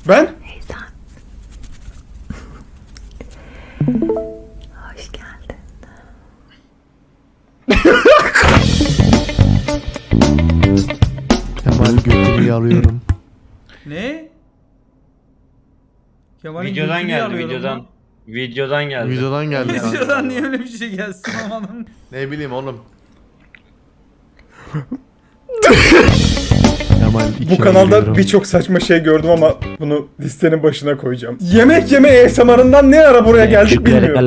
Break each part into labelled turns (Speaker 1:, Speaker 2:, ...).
Speaker 1: Ben?
Speaker 2: Eysan. Hoş geldin.
Speaker 3: Kemal götünü yalıyorum.
Speaker 4: Ne? Kemal'in
Speaker 5: Videodan
Speaker 4: götünü
Speaker 5: geldi
Speaker 4: alıyorum
Speaker 5: videodan.
Speaker 4: lan.
Speaker 5: Videodan geldi.
Speaker 3: Videodan geldi. kanka.
Speaker 4: Videodan niye öyle bir şey gelsin amanın?
Speaker 3: Ne bileyim oğlum. Kemal
Speaker 1: Bu kanalda birçok saçma şey gördüm ama bunu listenin başına koyacağım. Yemek yeme ASMR'ından ne ara buraya geldik bilmiyorum.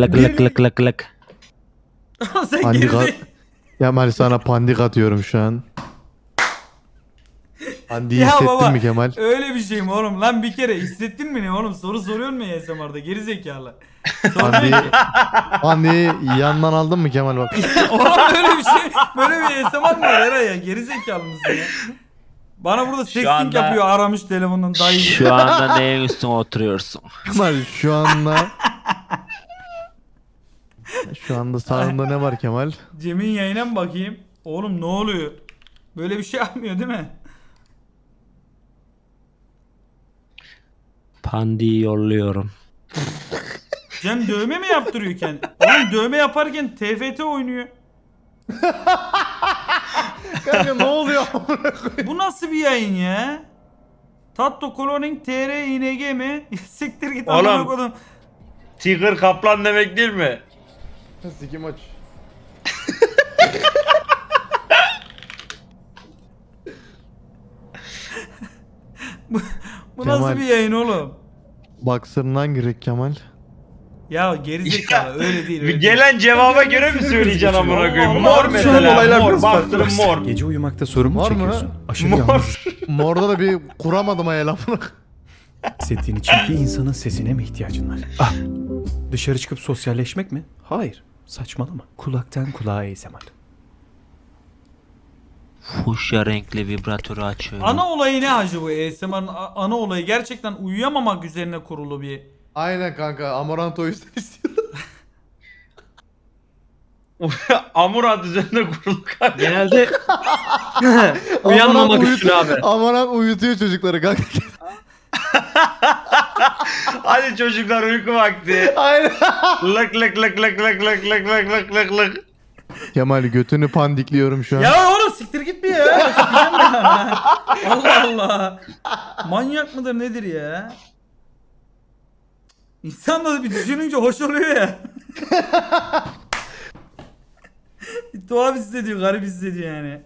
Speaker 4: Sen
Speaker 3: Pandik
Speaker 4: geride...
Speaker 3: at. Kemal sana pandik atıyorum şu an. Pandiği
Speaker 4: Ya
Speaker 3: hissettin
Speaker 4: baba
Speaker 3: mi Kemal?
Speaker 4: öyle bir şey mi oğlum? Lan bir kere hissettin mi ne oğlum? Soru soruyorsun mu ASMR'da? Geri zekalı.
Speaker 3: Pandiği, pandiği yandan aldın mı Kemal bak.
Speaker 4: Oğlum böyle bir şey, böyle bir ASMR mı var Eray ya? Geri zekalı mısın ya? Bana burada sexting
Speaker 5: anda-
Speaker 4: yapıyor aramış telefondan dayı.
Speaker 6: Şu anda neyin üstüne oturuyorsun?
Speaker 3: Kemal şu anda sağında ne var Kemal?
Speaker 4: Cem'in yayına mı bakayım? Oğlum ne oluyor? Böyle bir şey yapmıyor değil mi?
Speaker 6: Pandi'yi yolluyorum.
Speaker 4: Cem dövme mi yaptırıyor kendi? Oğlum dövme yaparken TFT oynuyor.
Speaker 3: Kanka ne oluyor?
Speaker 4: Bu nasıl bir yayın ya? Tatto Cloning TR ING mi? Siktir git
Speaker 5: Oğlum.
Speaker 4: amına koydum.
Speaker 5: Tiger kaplan demek değil mi?
Speaker 3: Sikim aç.
Speaker 4: Bu
Speaker 3: Kemal.
Speaker 4: nasıl bir yayın oğlum?
Speaker 3: Baksırından girek Kemal.
Speaker 4: Ya gerizekalı öyle değil. Öyle değil.
Speaker 5: Gelen cevaba göre mi söyleyeceksin amına koyayım?
Speaker 4: Allah
Speaker 5: Mor
Speaker 4: Allah.
Speaker 1: Şu an
Speaker 5: mesela.
Speaker 1: olaylar
Speaker 5: Mor.
Speaker 1: biraz farklı.
Speaker 5: Bastırın mor.
Speaker 7: Gece uyumakta sorun mu
Speaker 3: Var mı?
Speaker 7: çekiyorsun? Aşırı
Speaker 5: Mor.
Speaker 7: yalnız
Speaker 3: Morda da bir kuramadım ha lafını.
Speaker 7: hissettiğin için bir insanın sesine mi ihtiyacın var? Ah! Dışarı çıkıp sosyalleşmek mi? Hayır. Saçmalama. Kulaktan kulağa ASMR.
Speaker 6: Fuşya renkli vibratörü açıyorum.
Speaker 4: Ana olayı ne hacı bu ASMR'ın ana olayı gerçekten uyuyamamak üzerine kurulu bir.
Speaker 3: Aynen kanka Amarant o yüzden istiyorum.
Speaker 5: Amurant üzerinde kurulu kanka.
Speaker 8: Genelde uyanmamak için abi.
Speaker 3: Amarant uyutuyor çocukları kanka.
Speaker 5: Hadi çocuklar uyku vakti.
Speaker 3: Aynen.
Speaker 5: Lık lık lık lık lık lık lık lık lık lık lık.
Speaker 3: Kemal götünü pandikliyorum şu an.
Speaker 4: Ya oğlum siktir git bir ya. Sikeceğim ya. Allah Allah. Manyak mıdır nedir ya? İnsan da bir düşününce hoş oluyor ya. Tuhaf hissediyor, garip hissediyor yani.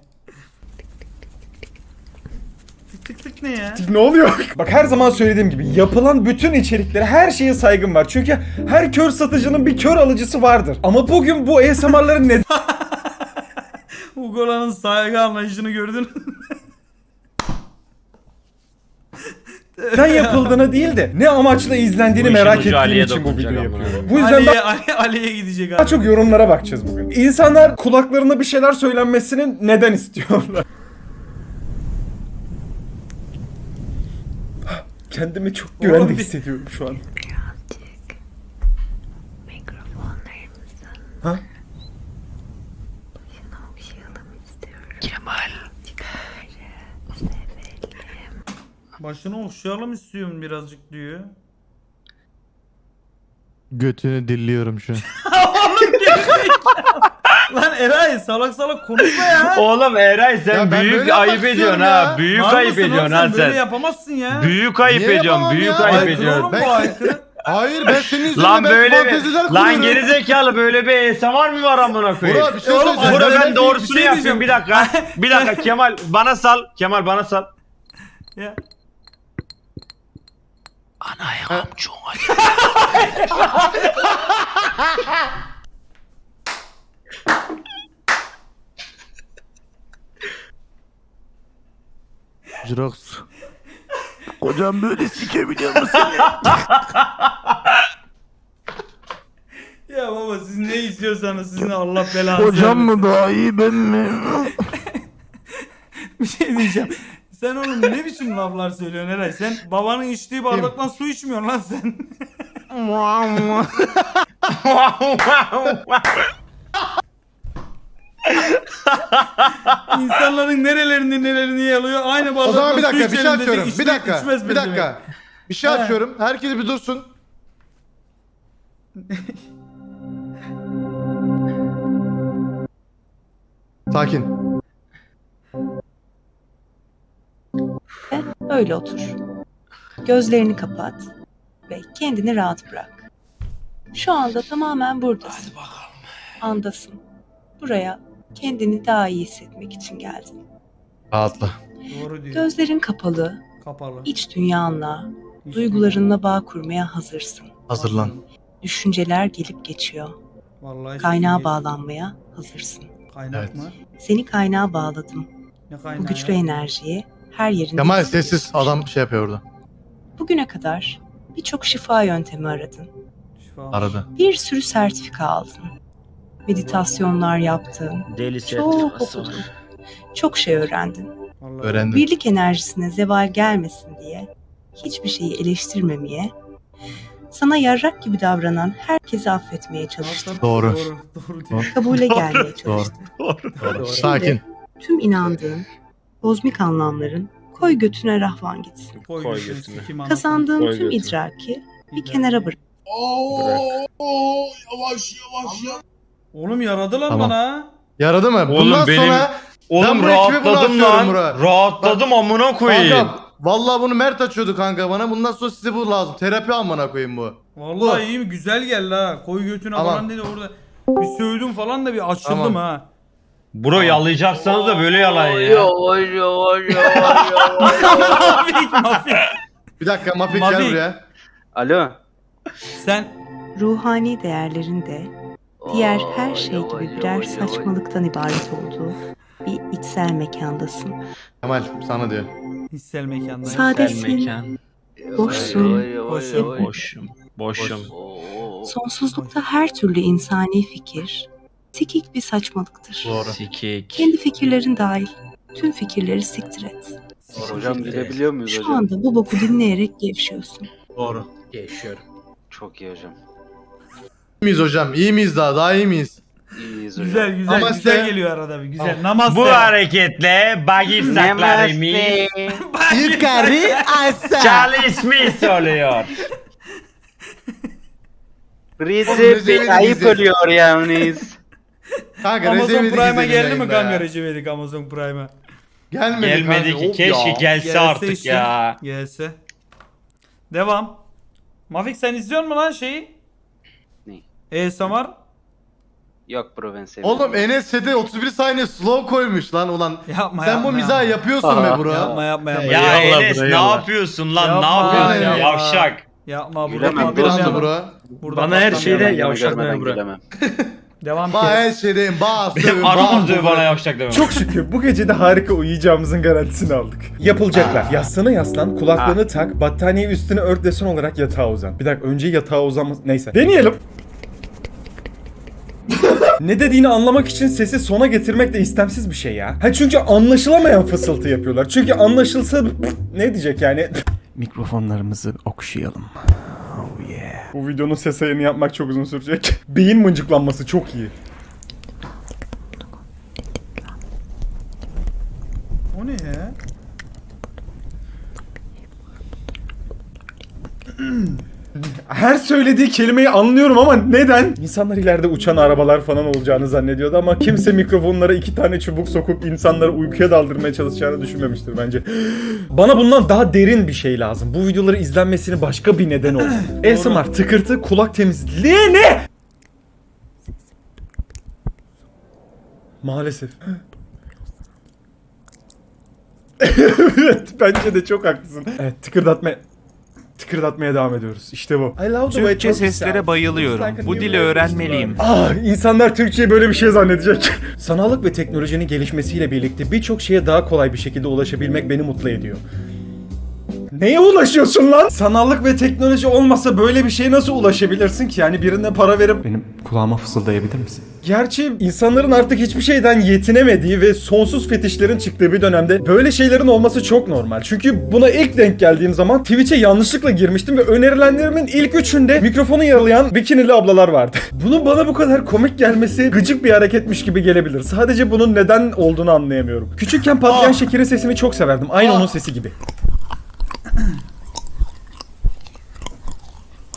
Speaker 4: Tık tık tık ne ya?
Speaker 1: Ne oluyor? Bak her zaman söylediğim gibi yapılan bütün içeriklere her şeye saygım var. Çünkü her kör satıcının bir kör alıcısı vardır. Ama bugün bu ASMR'ların neden
Speaker 4: Ugola'nın saygı anlayışını gördün.
Speaker 1: yapıldığını değil de ne amaçla izlendiğini
Speaker 5: Bu işin
Speaker 1: merak
Speaker 5: ucu
Speaker 1: ettiğim
Speaker 5: Ali'ye
Speaker 1: için bu
Speaker 5: dokunacak
Speaker 1: videoyu
Speaker 5: amına
Speaker 1: yapıyorum. Bu yüzden
Speaker 4: Ali'ye gidecek
Speaker 1: daha
Speaker 4: abi.
Speaker 1: çok yorumlara bakacağız bugün. İnsanlar kulaklarına bir şeyler söylenmesini neden istiyorlar? Kendimi çok güvende
Speaker 4: Oğlum bir-
Speaker 1: hissediyorum şu an.
Speaker 2: Birazcık mikrofonlarımızın
Speaker 1: Ha?
Speaker 2: başına okşayalım istiyorum.
Speaker 6: Kemal.
Speaker 2: Sevelim.
Speaker 4: Başını okşayalım istiyorum birazcık diyor.
Speaker 3: Götünü dilliyorum şu an.
Speaker 4: Lan Eray salak salak konuşma ya.
Speaker 5: Oğlum Eray sen
Speaker 3: Ya ben
Speaker 5: büyük
Speaker 3: böyle
Speaker 5: ayıp
Speaker 3: yapmak
Speaker 5: ediyorsun
Speaker 3: istiyorum
Speaker 5: ha.
Speaker 3: ya.
Speaker 5: Büyük
Speaker 4: Var
Speaker 5: ayıp
Speaker 4: mısın oğlum
Speaker 5: ediyorsun ha
Speaker 4: Böyle
Speaker 5: sen.
Speaker 4: yapamazsın ya.
Speaker 5: Büyük ayıp
Speaker 3: Niye
Speaker 5: ediyorsun.
Speaker 3: yapamam
Speaker 5: Büyük
Speaker 3: ya?
Speaker 5: ayıp
Speaker 4: Aykırı
Speaker 5: ediyorsun.
Speaker 4: oğlum bu aykırı.
Speaker 3: Hayır ben senin yüzünden
Speaker 5: Lan böyle
Speaker 3: fanteziler
Speaker 5: bir lan
Speaker 3: kuruyorum.
Speaker 5: gerizekalı böyle bir ASMR mı var amına koyayım?
Speaker 3: Burak bir şey
Speaker 4: Oğlum,
Speaker 3: söyleyeceğim.
Speaker 5: Burada
Speaker 4: Ben
Speaker 5: ben
Speaker 4: bir
Speaker 5: doğrusunu
Speaker 4: şey
Speaker 5: yapayım bir dakika. Bir dakika Kemal bana sal. Kemal bana sal.
Speaker 4: Ya.
Speaker 6: Ana amcum hadi.
Speaker 3: Jirox. Kocam böyle sikebiliyor musun?
Speaker 4: Ya baba siz ne istiyorsanız sizin Allah belanızı
Speaker 3: Kocam
Speaker 4: vermesin.
Speaker 3: mı daha iyi ben mi?
Speaker 4: Bir şey diyeceğim. Sen oğlum ne biçim laflar söylüyorsun Eray? Sen babanın içtiği bardaktan su içmiyorsun lan sen. İnsanların nerelerini yalıyor aynı bardaktan
Speaker 3: O zaman bir
Speaker 4: su
Speaker 3: dakika bir şey
Speaker 4: içelim dedi,
Speaker 3: atıyorum.
Speaker 4: içti,
Speaker 3: Bir dakika.
Speaker 4: içmez
Speaker 3: Bir
Speaker 4: mi demek?
Speaker 3: dakika. Bir şey açıyorum. Herkes bir dursun. Sakin.
Speaker 8: Öyle otur. Gözlerini kapat ve kendini rahat bırak. Şu anda tamamen buradasın. Andasın. Buraya kendini daha iyi hissetmek için geldin.
Speaker 3: Rahatla.
Speaker 4: Doğru diyor.
Speaker 8: Gözlerin kapalı,
Speaker 4: Kapalı.
Speaker 8: iç dünyanla, duygularınla bağ kurmaya hazırsın.
Speaker 3: Hazırlan.
Speaker 8: Düşünceler gelip geçiyor.
Speaker 4: Vallahi
Speaker 8: Kaynağa
Speaker 4: çok iyi.
Speaker 8: bağlanmaya hazırsın.
Speaker 4: Kaynak
Speaker 3: Evet.
Speaker 4: mı?
Speaker 8: Seni kaynağa bağladım.
Speaker 4: Ne kaynağı
Speaker 8: Bu güçlü
Speaker 4: ya?
Speaker 8: enerjiyi her yerinde
Speaker 3: Kemal
Speaker 8: hissediyorsun.
Speaker 3: sessiz. Adam şey yapıyor orada.
Speaker 8: Bugüne kadar birçok şifa yöntemi aradın.
Speaker 4: Şifa.
Speaker 3: Aradı.
Speaker 8: Bir sürü sertifika aldın. Meditasyonlar yaptın.
Speaker 6: Deli
Speaker 8: Çok
Speaker 6: sertifikası
Speaker 8: okudun.
Speaker 6: var.
Speaker 8: Çok şey öğrendin.
Speaker 4: Vallahi.
Speaker 3: Öğrendim.
Speaker 8: Birlik enerjisine zeval gelmesin diye hiçbir şeyi eleştirmemeye, sana yarrak gibi davranan herkesi affetmeye çalıştın.
Speaker 4: Nasıl?
Speaker 3: Doğru.
Speaker 4: Doğru diyor.
Speaker 8: Kabule gelmeye çalıştın.
Speaker 3: Doğru. Sakin.
Speaker 8: Tüm inandığın kozmik anlamların koy götüne rahvan gitsin.
Speaker 4: Koy
Speaker 6: Koy
Speaker 4: götüne,
Speaker 6: götüne.
Speaker 4: sikim anasını.
Speaker 8: Kazandığın
Speaker 6: Koy
Speaker 8: tüm
Speaker 6: götüne.
Speaker 8: idraki bir kenara bırak.
Speaker 4: Oğlum yaradı lan
Speaker 3: Tamam.
Speaker 4: bana.
Speaker 3: Yaradı mı?
Speaker 5: Oğlum
Speaker 3: Bundan
Speaker 5: benim-
Speaker 3: sonra
Speaker 5: Oğlum
Speaker 3: bu ekibi bunu
Speaker 5: rahatladım
Speaker 3: atıyorum
Speaker 5: lan.
Speaker 3: buraya.
Speaker 5: Rahatladım amına koyayım.
Speaker 3: Kanka vallahi bunu Mert açıyordu kanka bana. Bundan sonra size bu lazım. Terapi amına koyayım bu.
Speaker 4: Vallahi
Speaker 3: Bu.
Speaker 4: iyi mi? Güzel geldi ha. Koy götüne
Speaker 3: Tamam.
Speaker 4: falan dedi orada. Bir sövdüm falan da bir açıldım
Speaker 3: Tamam.
Speaker 4: ha.
Speaker 5: Bro yalayacaksanız da böyle yalayın ya.
Speaker 4: Mafik mafik.
Speaker 3: Bir dakika Mafik
Speaker 4: Mafik.
Speaker 3: gel buraya.
Speaker 6: Alo.
Speaker 4: Sen
Speaker 8: Ruhani değerlerin de diğer her şey gibi birer saçmalıktan ibaret olduğu bir içsel mekandasın.
Speaker 3: Kemal sana diyor.
Speaker 4: hissel mekanda.
Speaker 6: Güzel
Speaker 8: Sadesin,
Speaker 6: mekan.
Speaker 8: boşsun,
Speaker 4: Boşum.
Speaker 6: Boşum. Boşum.
Speaker 8: sonsuzlukta her türlü insani fikir, sikik bir saçmalıktır.
Speaker 3: Doğru.
Speaker 6: Sikik.
Speaker 8: Kendi fikirlerin dahil tüm fikirleri siktir et.
Speaker 9: Hocam gidebiliyor muyuz
Speaker 8: Şu
Speaker 9: hocam?
Speaker 8: anda bu boku dinleyerek gevşiyorsun.
Speaker 3: Doğru.
Speaker 9: Çok iyi hocam.
Speaker 3: İyi miyiz hocam? İyi miyiz daha? Daha iyi miyiz?
Speaker 9: İyiyiz hocam.
Speaker 4: Güzel güzel
Speaker 3: Namaste.
Speaker 4: güzel geliyor arada bir güzel.
Speaker 3: Tamam.
Speaker 4: Namaste.
Speaker 5: Bu hareketle bağırsaklarımız
Speaker 3: Yukarı aşağı.
Speaker 5: çalışmış oluyor.
Speaker 3: Recep ayıp
Speaker 9: oluyor yalnız.
Speaker 3: Kanka
Speaker 4: Amazon
Speaker 3: Recep'e
Speaker 4: Prime'a
Speaker 3: gidin
Speaker 4: geldi mi
Speaker 3: yayında
Speaker 4: kanka
Speaker 3: ya.
Speaker 4: Recep İvedik Amazon Prime'a?
Speaker 3: Gelmedi,
Speaker 5: Gelmedi
Speaker 3: kanka.
Speaker 5: ki
Speaker 3: Of
Speaker 5: keşke
Speaker 3: ya.
Speaker 5: gelse artık
Speaker 4: işte.
Speaker 5: ya.
Speaker 4: Gelse. Devam. Mafik sen izliyor musun lan şeyi?
Speaker 9: Ne?
Speaker 4: Samar.
Speaker 9: Yok bro ben sevmiyorum.
Speaker 3: Oğlum Enes sete 31 saniye slow koymuş lan ulan.
Speaker 4: Yapma
Speaker 3: Sen
Speaker 4: yapma,
Speaker 3: bu mizahı
Speaker 4: yapma.
Speaker 3: yapıyorsun be bro.
Speaker 4: Yapma yapma yapma.
Speaker 5: Ya
Speaker 6: Eyvallah
Speaker 5: Enes
Speaker 6: bro,
Speaker 5: ne
Speaker 6: eyvallah.
Speaker 5: yapıyorsun lan?
Speaker 4: Yapma
Speaker 5: Ne yapıyorsun
Speaker 3: ya.
Speaker 5: yavşak?
Speaker 4: Yapma
Speaker 9: Gülemem,
Speaker 4: burada
Speaker 3: Bir anda
Speaker 4: patlamayalım.
Speaker 3: bro.
Speaker 4: Burada
Speaker 6: Bana her şeyde
Speaker 4: patlamayalım.
Speaker 6: yavşak bro.
Speaker 9: Gülemem.
Speaker 4: Devam
Speaker 3: Ba
Speaker 4: et.
Speaker 3: her şeydeyim. Ba
Speaker 5: Benim
Speaker 3: sövün.
Speaker 5: anam dövüyor bana yavşak deme.
Speaker 1: Çok şükür bu gece de harika uyuyacağımızın garantisini aldık. Yapılacaklar. Yastığına yaslan, kulaklığını tak, battaniye üstüne ört desen olarak yatağa uzan. Bir dakika önce yatağa uzanması... Neyse. Deneyelim. Ne dediğini anlamak için sesi sona getirmek de istemsiz bir şey ya. Ha çünkü anlaşılamayan fısıltı yapıyorlar. Çünkü anlaşılsa ne diyecek yani?
Speaker 7: Mikrofonlarımızı okşayalım. Oh yeah.
Speaker 1: Bu videonun ses ayarını yapmak çok uzun sürecek. Beyin mıncıklanması çok iyi.
Speaker 4: O ne ya?
Speaker 1: Her söylediği kelimeyi anlıyorum ama neden? İnsanlar ileride uçan arabalar falan olacağını zannediyordu ama kimse mikrofonlara 2 tane çubuk sokup insanları uykuya daldırmaya çalışacağını düşünmemiştir bence. Bana bundan daha derin bir şey lazım. Bu videoları izlenmesini başka bir neden olsun. ASMR, tıkırtı, kulak temizliği ne? Maalesef. Evet, bence de çok haklısın. Evet, tıkırdatmaya devam ediyoruz. İşte bu.
Speaker 7: Türkçe seslere bayılıyorum. Bu dili öğrenmeliyim.
Speaker 1: İnsanlar Türkçe'yi böyle bir şey zannedecek. Sanallık ve teknolojinin gelişmesiyle birlikte birçok şeye daha kolay bir şekilde ulaşabilmek beni mutlu ediyor. Neye ulaşıyorsun lan? Sanallık ve teknoloji olmasa böyle bir şeye nasıl ulaşabilirsin ki? Yani birine para verip...
Speaker 7: Benim kulağıma fısıldayabilir misin?
Speaker 1: Gerçi insanların artık hiçbir şeyden yetinemediği ve sonsuz fetişlerin çıktığı bir dönemde böyle şeylerin olması çok normal. Çünkü buna ilk denk geldiğim zaman Twitch'e yanlışlıkla girmiştim ve önerilenlerimin ilk üçünde mikrofonu yaralayan bikinili ablalar vardı. Bunun bana bu kadar komik gelmesi gıcık bir hareketmiş gibi gelebilir. Sadece bunun neden olduğunu anlayamıyorum. Küçükken patlayan şekerin sesini çok severdim. Aynı onun sesi gibi.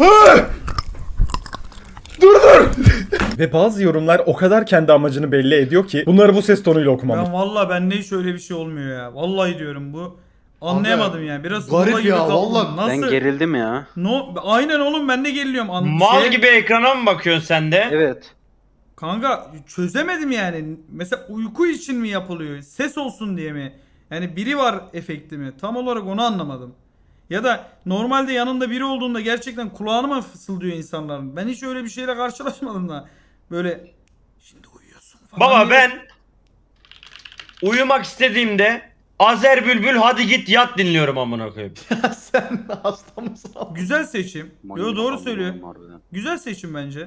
Speaker 1: Dur. Ve bazı yorumlar o kadar kendi amacını belli ediyor ki bunları bu ses tonuyla okumamız.
Speaker 4: Ben valla bende hiç öyle bir şey olmuyor ya. Vallahi diyorum bu. Anlayamadım yani. Biraz
Speaker 3: garip
Speaker 4: Zula gibi
Speaker 3: ya,
Speaker 4: kaldım.
Speaker 3: vallahi.
Speaker 4: Nasıl?
Speaker 9: Ben gerildim ya.
Speaker 4: No, aynen oğlum ben de geriliyorum.
Speaker 5: Mal gibi ekrana mı bakıyorsun sen de?
Speaker 9: Evet.
Speaker 4: Kanka çözemedim yani. Mesela uyku için mi yapılıyor? Ses olsun diye mi? Yani biri var efekti mi? Tam olarak onu anlamadım. Ya da normalde yanında biri olduğunda gerçekten kulağına mı fısıldıyor insanların? Ben hiç öyle bir şeyle karşılaşmadım da. Böyle şimdi uyuyorsun falan.
Speaker 5: Baba
Speaker 4: diye-
Speaker 5: ben uyumak istediğimde Azer Bülbül hadi git yat dinliyorum amına koyayım.
Speaker 3: Sen hasta mısın abi?
Speaker 4: Güzel seçim. Yo doğru söylüyor. Güzel seçim bence.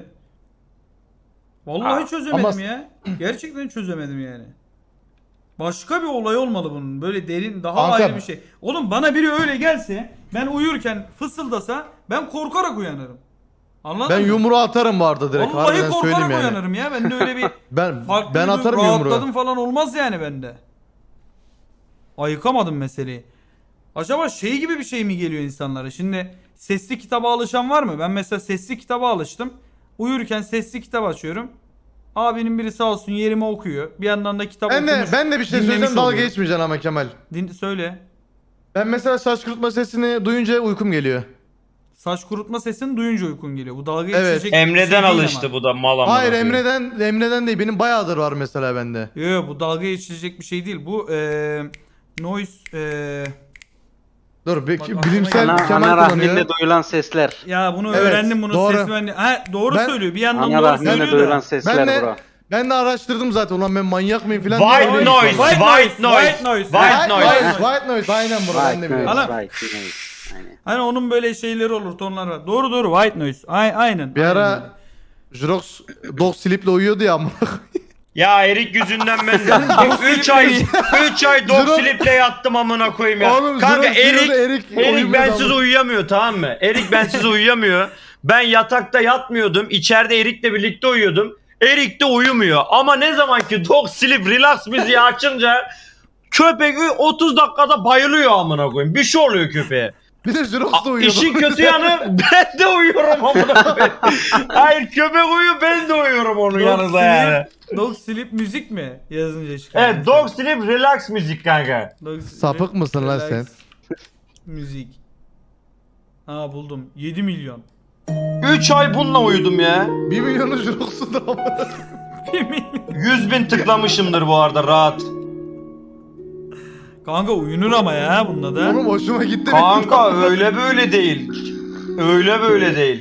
Speaker 4: Vallahi çözemedim
Speaker 3: ama-
Speaker 4: ya. Gerçekten çözemedim yani. Başka bir olay olmalı bunun. Böyle derin, daha
Speaker 3: Kanka-
Speaker 4: ayrı bir şey. Oğlum bana biri öyle gelse, ben uyurken fısıldasa ben korkarak uyanırım. Anladın
Speaker 3: Ben
Speaker 4: mı?
Speaker 3: yumruğu atarım bu arada direkt.
Speaker 4: Vallahi
Speaker 3: Harbiden
Speaker 4: korkarak
Speaker 3: söyleyeyim yani.
Speaker 4: uyanırım ya. Bende öyle bir
Speaker 3: Ben
Speaker 4: farklı
Speaker 3: ben
Speaker 4: bir
Speaker 3: atarım
Speaker 4: rahatladım
Speaker 3: yumruğu.
Speaker 4: falan olmaz yani bende. Ayıkamadım meseleyi. Acaba şey gibi bir şey mi geliyor insanlara? Şimdi sesli kitaba alışan var mı? Ben mesela sesli kitaba alıştım. Uyurken sesli kitap açıyorum. Abinin biri sağ olsun yerime okuyor. Bir yandan da kitap okumuş.
Speaker 3: Ben de bir şey
Speaker 4: dinlemiş
Speaker 3: söyleyeceğim, dalga
Speaker 4: oluyorum.
Speaker 3: geçmeyeceksin ama Kemal.
Speaker 4: Söyle.
Speaker 3: Ben mesela saç kurutma sesini duyunca uykum geliyor.
Speaker 4: Saç kurutma sesini duyunca uykun geliyor. Bu dalga
Speaker 3: Evet.
Speaker 4: geçecek bir
Speaker 5: Emre'den
Speaker 4: şey değil
Speaker 5: alıştı
Speaker 4: ama.
Speaker 5: bu da mal amına
Speaker 3: Hayır
Speaker 5: koyayım.
Speaker 3: Emre'den değil, benim bayağıdır var mesela bende.
Speaker 4: Yok bu dalga geçilecek bir şey değil. Bu noise
Speaker 3: Dur
Speaker 4: Bak,
Speaker 3: bilimsel
Speaker 9: Ana,
Speaker 3: Kemal
Speaker 9: ana
Speaker 3: kullanıyor.
Speaker 9: rahminde duyulan sesler.
Speaker 4: ya bunu
Speaker 3: Evet,
Speaker 4: öğrendim bunun
Speaker 3: doğru.
Speaker 4: sesi ben de. Ha doğru
Speaker 3: Ben-
Speaker 4: söylüyor. Bir yandan
Speaker 9: Ana
Speaker 4: doğru
Speaker 9: rahminde
Speaker 4: söylüyor
Speaker 9: duyulan
Speaker 4: da.
Speaker 9: sesler bro.
Speaker 3: Ben de araştırdım zaten, ulan ben manyak mıyım falan.
Speaker 5: White
Speaker 3: diye.
Speaker 5: noise,
Speaker 4: White
Speaker 5: white
Speaker 4: noise,
Speaker 5: noise,
Speaker 4: white noise.
Speaker 5: white noise.
Speaker 3: White noise, aynen bro, ben de
Speaker 9: Right,
Speaker 3: biliyorum.
Speaker 4: Ana-
Speaker 9: right, right. Aynen.
Speaker 4: Hani onun böyle şeyleri olur, tonlar var. Doğru doğru white noise. Aynen.
Speaker 3: Bir
Speaker 4: aynen öyle.
Speaker 3: ara Jirox dog sleep'le uyuyordu ya amına.
Speaker 5: Ya Erik yüzünden ben 3 ay dog
Speaker 3: Zero-
Speaker 5: sleep'le yattım amına koyayım ya.
Speaker 3: Oğlum,
Speaker 5: Kanka
Speaker 3: Zero- Zero'da
Speaker 5: Erik
Speaker 3: uyumuyordu
Speaker 5: bensiz
Speaker 3: ama.
Speaker 5: uyuyamıyor, tamam mı? Erik bensiz uyuyamıyor. Ben yatakta yatmıyordum. İçeride Erik'le birlikte uyuyordum. Erik de uyumuyor. Ama ne zaman ki dog sleep relax müziği açınca köpek 30 dakikada bayılıyor amına koyayım. Bir şey oluyor köpeğe.
Speaker 3: Bir de Jirox da uyuyordu.
Speaker 5: İşin kötü yanı ben de uyuyorum amına koyayım. Hayır köpek uyuyor, ben de uyuyorum onun
Speaker 4: Dog
Speaker 5: yanında
Speaker 4: sleep-
Speaker 5: yani.
Speaker 4: Dog sleep müzik mi? Yazınca çıkıyor.
Speaker 5: Evet, dog sleep relax müzik kanka.
Speaker 4: Dog sleep,
Speaker 3: Sapık mısın lan
Speaker 4: relax
Speaker 3: sen?
Speaker 4: Müzik. Ha buldum. 7 milyon.
Speaker 5: 3 ay bununla uyudum ya.
Speaker 3: 1 milyonu Jirox'u da ama.
Speaker 4: 1 milyon.
Speaker 5: 100.000 tıklamışımdır bu arada rahat.
Speaker 4: Kanka uyunur ama ya bunda da.
Speaker 3: Oğlum hoşuma gitti.
Speaker 5: Kanka öyle böyle değil. Öyle böyle değil.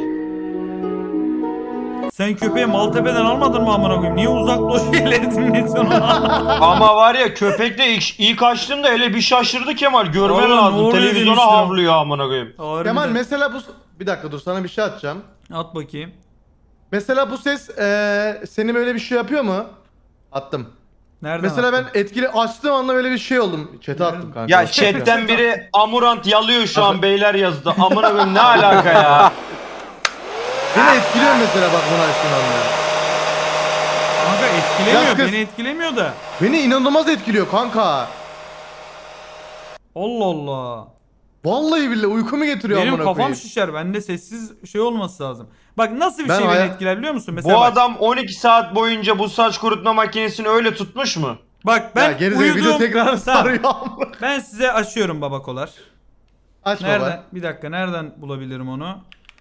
Speaker 4: Sen köpeği Maltepe'den almadın mı amına koyayım? Niye uzak doğu şeyleri dinliyorsun onu?
Speaker 5: Ama var ya köpekle ilk açtığımda hele bir şaşırdı Kemal. Görmen
Speaker 4: Oğlum, ne
Speaker 5: lazım.
Speaker 4: oluyor
Speaker 5: Televizyona
Speaker 4: demiştim.
Speaker 5: havlıyor amına koyayım.
Speaker 4: Harbiden.
Speaker 3: Kemal mesela bu... Bir dakika dur, sana bir şey atacağım.
Speaker 4: At bakayım.
Speaker 3: Mesela bu ses seni böyle bir şey yapıyor mu? Attım.
Speaker 4: Nereden
Speaker 3: Mesela
Speaker 4: attın?
Speaker 3: ben etkili açtığım anda böyle bir şey oldum. Chat'e attım kanka.
Speaker 5: Ya chatten biri Amurant yalıyor şu an beyler yazdı. Amına koyayım ne alaka ya?
Speaker 3: Beni etkiliyor mesela bak bunu açtığım anda.
Speaker 4: Kanka etkilemiyor.
Speaker 3: Yaz kız.
Speaker 4: Beni etkilemiyor da.
Speaker 3: Beni inanılmaz etkiliyor kanka.
Speaker 4: Allah Allah.
Speaker 3: Vallahi billahi uykumu getiriyor
Speaker 4: Benim
Speaker 3: amına
Speaker 4: kafam
Speaker 3: koyayım.
Speaker 4: şişer. Bende sessiz şey olması lazım. Bak nasıl bir
Speaker 3: Ben
Speaker 4: şey beni
Speaker 3: hayal-
Speaker 4: etkiler biliyor musun? Mesela
Speaker 5: Bu
Speaker 4: bak,
Speaker 5: adam 12 saat boyunca bu saç kurutma makinesini öyle tutmuş mu?
Speaker 4: bak
Speaker 3: Ben
Speaker 4: ben
Speaker 3: gerizekalı video
Speaker 4: uyuduğum...
Speaker 3: tekrar
Speaker 4: Tamam.
Speaker 3: sarıyor amına.
Speaker 4: Ben size açıyorum babakolar.
Speaker 3: Aç
Speaker 4: Nereden?
Speaker 3: baba.
Speaker 4: Bir dakika nereden bulabilirim onu?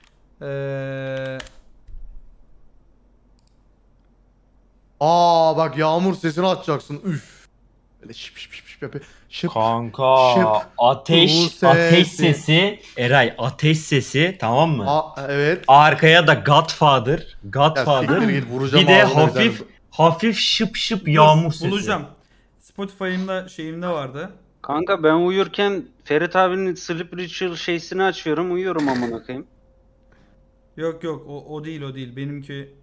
Speaker 3: Aa bak yağmur sesini açacaksın. Üf. Böyle şıp şıp şıp şıp yapıyor. Şıp.
Speaker 5: Kanka
Speaker 3: Şıp. Bu
Speaker 5: ateş
Speaker 3: sesi.
Speaker 5: sesi Eray ateş sesi, tamam mı?
Speaker 3: Evet.
Speaker 5: Arkaya da Godfather
Speaker 3: Ya siktir git, vuracağım
Speaker 5: bir de
Speaker 3: ağzına
Speaker 5: hafif şıp şıp yağmur sesi.
Speaker 4: Bulacağım. Spotify'ımda şeyimde vardı.
Speaker 9: Kanka ben uyurken Ferit abinin Sleep Ritual şeysini açıyorum, uyuyorum amına koyayım.
Speaker 4: Yok o değil. Benimki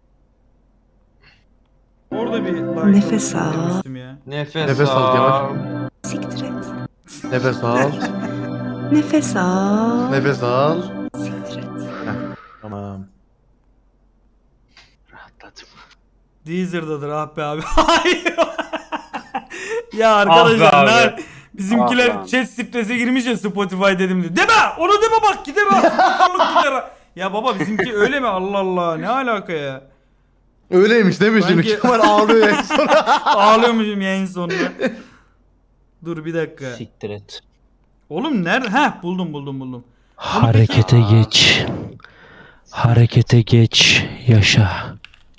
Speaker 4: orada bir like
Speaker 8: Nefes
Speaker 4: olsun
Speaker 8: al.
Speaker 4: demiştim ya.
Speaker 3: Nefes al Kemal.
Speaker 8: Siktir et.
Speaker 3: Nefes al.
Speaker 8: Nefes al.
Speaker 3: Nefes al.
Speaker 8: Siktir et.
Speaker 3: Tamam.
Speaker 9: Rahatladım.
Speaker 4: Deezer'dadır ah be abi. Hayır. Ya arkadaşlar
Speaker 5: Ah be abi.
Speaker 4: bizimkiler
Speaker 9: Ah lan.
Speaker 4: chat strese girmiş ya Spotify dedim diye. Deme! Onu deme bak gider ha. Sakarlık gider ha. Ya baba bizimki öyle mi? Allah Allah ne alaka ya?
Speaker 3: Öyleymiş değil mi şimdi?
Speaker 4: Sanki-
Speaker 3: Kemal ağlıyor en son.
Speaker 4: Ağlıyormuşum yayın sonunda. Dur bir dakika.
Speaker 6: Siktir et.
Speaker 4: Oğlum nerede? Heh buldum.
Speaker 6: Harekete geç. Harekete geç. Yaşa.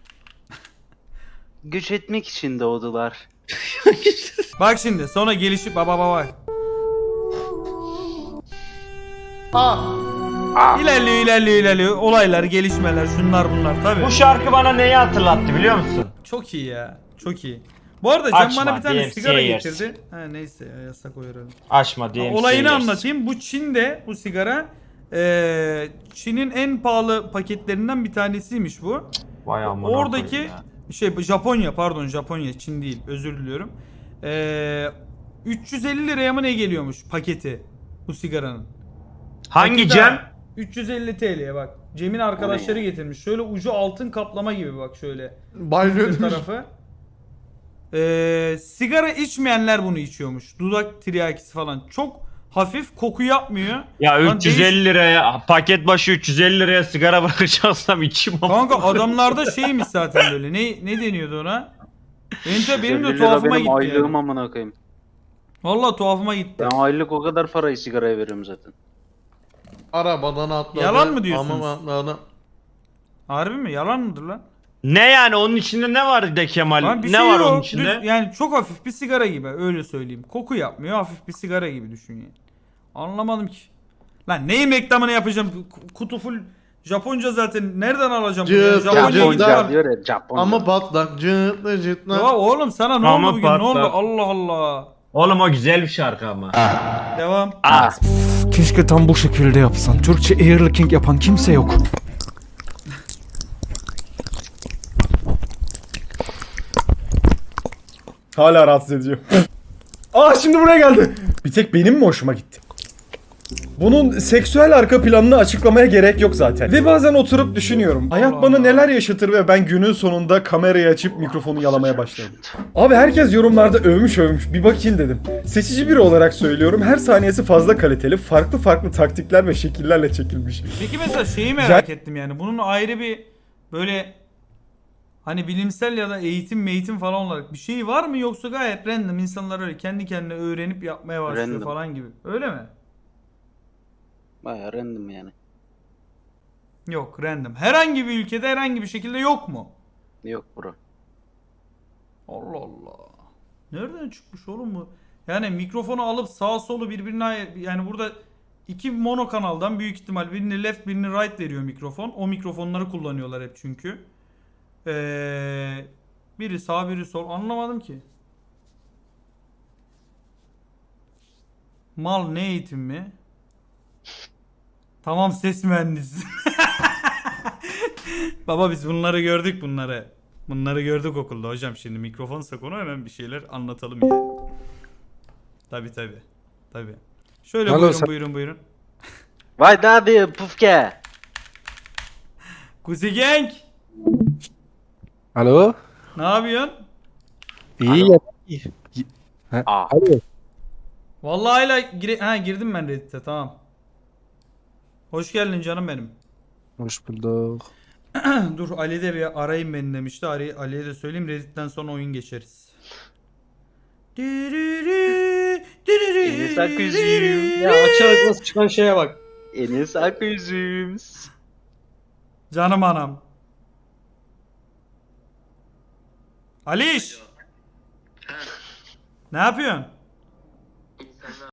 Speaker 9: Güç etmek için doğdular.
Speaker 4: Bak şimdi sonra gelişip baba. İlerliyor. Olaylar, gelişmeler, şunlar bunlar tabii.
Speaker 5: Bu şarkı bana neyi hatırlattı biliyor musun?
Speaker 4: Çok iyi ya. Çok iyi. Bu arada Can
Speaker 5: Açma,
Speaker 4: bana bir tane
Speaker 5: DMCA
Speaker 4: sigara
Speaker 5: yersin.
Speaker 4: getirdi. Ha neyse ya, yasak o herhalde.
Speaker 5: Açma diye.
Speaker 4: Olayını anlatayım. Bu Çin'de bu sigara Çin'in en pahalı paketlerinden bir tanesiymiş bu.
Speaker 5: Vay amına
Speaker 4: Oradaki
Speaker 5: koyayım ya.
Speaker 4: Japonya, Çin değil, özür diliyorum. 350 liraya mı ne geliyormuş paketi bu sigaranın?
Speaker 5: Hangi
Speaker 4: Paketi
Speaker 5: Cem?
Speaker 4: 350 TL'ye bak. Cem'in arkadaşları getirmiş. Şöyle ucu altın kaplama gibi bak şöyle.
Speaker 3: Banyo
Speaker 4: Bir tarafı. Sigara içmeyenler bunu içiyormuş. Dudak tiryakisi falan. Çok hafif, koku yapmıyor.
Speaker 5: Ya
Speaker 4: Lan
Speaker 5: 350 liraya paket başı 350 liraya sigara bırakacaksam içim ama.
Speaker 4: Kanka adamlarda şeymiş zaten böyle. Ne deniyordu ona? Benim
Speaker 9: 50
Speaker 4: de
Speaker 9: lira
Speaker 4: tuhafıma
Speaker 9: benim
Speaker 4: gitti
Speaker 9: aylığım
Speaker 4: yani.
Speaker 9: amına koyayım.
Speaker 4: Vallahi tuhafıma gitti.
Speaker 9: Ben aylık o kadar parayı sigaraya veriyorum zaten.
Speaker 3: Arabadan atladı.
Speaker 4: Yalan mı diyorsunuz?
Speaker 3: Ama atladı.
Speaker 4: Harbi mi? Yalan mıdır lan?
Speaker 5: Ne yani onun içinde ne var de Kemal?
Speaker 4: Lan bir
Speaker 5: Ne
Speaker 4: şey
Speaker 5: var
Speaker 4: yok.
Speaker 5: onun içinde?
Speaker 4: Yani çok hafif bir sigara gibi öyle söyleyeyim. Koku yapmıyor, hafif bir sigara gibi düşün yani. Anlamadım ki. Lan neyin reklamını yapacağım? Kutu full Japonca zaten. Nereden alacağım bunu? ya?
Speaker 3: Cırt,
Speaker 4: Japonya'ya
Speaker 3: Japonca
Speaker 4: gidip
Speaker 9: Japonca
Speaker 4: al.
Speaker 9: diyor ya Japonca.
Speaker 3: Ama patlak cıtlı cıtlı.
Speaker 4: Ya oğlum sana ne
Speaker 5: Ama
Speaker 4: oldu bugün? Ne oldu?
Speaker 5: patlar.
Speaker 4: Allah Allah.
Speaker 5: Oğlum o güzel bir şarkı ama.
Speaker 4: Devam.
Speaker 7: Keşke tam bu şekilde yapsan. Türkçe earlicking yapan kimse yok.
Speaker 1: Hala rahatsız ediyor. Aa şimdi buraya geldi. Bir tek benim mi hoşuma gitti? Bunun seksüel arka planını açıklamaya gerek yok zaten. Ve bazen oturup düşünüyorum. Hayat bana neler yaşatır ve ben günün sonunda kamerayı açıp mikrofonu yalamaya başladım. Abi herkes yorumlarda övmüş. Bir bakayım dedim. Seçici biri olarak söylüyorum. Her saniyesi fazla kaliteli. Farklı taktikler ve şekillerle çekilmiş.
Speaker 4: Peki mesela şeyi merak ettim yani. Bunun ayrı bir böyle hani bilimsel ya da eğitim falan olarak bir şey var mı, yoksa gayet random insanlar öyle kendi kendine öğrenip yapmaya başlıyor
Speaker 9: Random.
Speaker 4: falan gibi. Öyle mi?
Speaker 9: Bayağı random yani.
Speaker 4: Yok, random. Herhangi bir ülkede herhangi bir şekilde yok mu?
Speaker 9: Yok bro.
Speaker 4: Allah Allah. Nereden çıkmış oğlum bu? Yani mikrofonu alıp sağ solu birbirine, yani burada iki mono kanaldan büyük ihtimal birini left birini right veriyor mikrofon. O mikrofonları kullanıyorlar hep çünkü. Biri sağ biri sol, anlamadım ki. Mal ne eğitim mi? Tamam ses mühendisi. Baba biz bunları gördük bunları. Bunları gördük okulda hocam, şimdi mikrofonsa konu hemen bir şeyler anlatalım yani. Tabi. Şöyle buyurun.
Speaker 9: Vay daddy pufke.
Speaker 4: Kuzi Gang.
Speaker 7: Alo?
Speaker 4: Ne yapıyorsun?
Speaker 7: İyi ya.
Speaker 9: Aa.
Speaker 7: Alo.
Speaker 4: Vallahi hala girdim ben Reddit'e, tamam. Hoş geldin canım benim.
Speaker 7: Hoş bulduk.
Speaker 4: Dur Ali de bir arayayım beni demişti. Ali'ye de söyleyeyim, Reddit'ten sonra oyun geçeriz.
Speaker 9: Enes Aküzüm.
Speaker 6: Ya açarak nasıl çıkan şeye bak.
Speaker 9: Enes Aküzüm.
Speaker 4: Canım anam. Aliş. Ne yapıyorsun?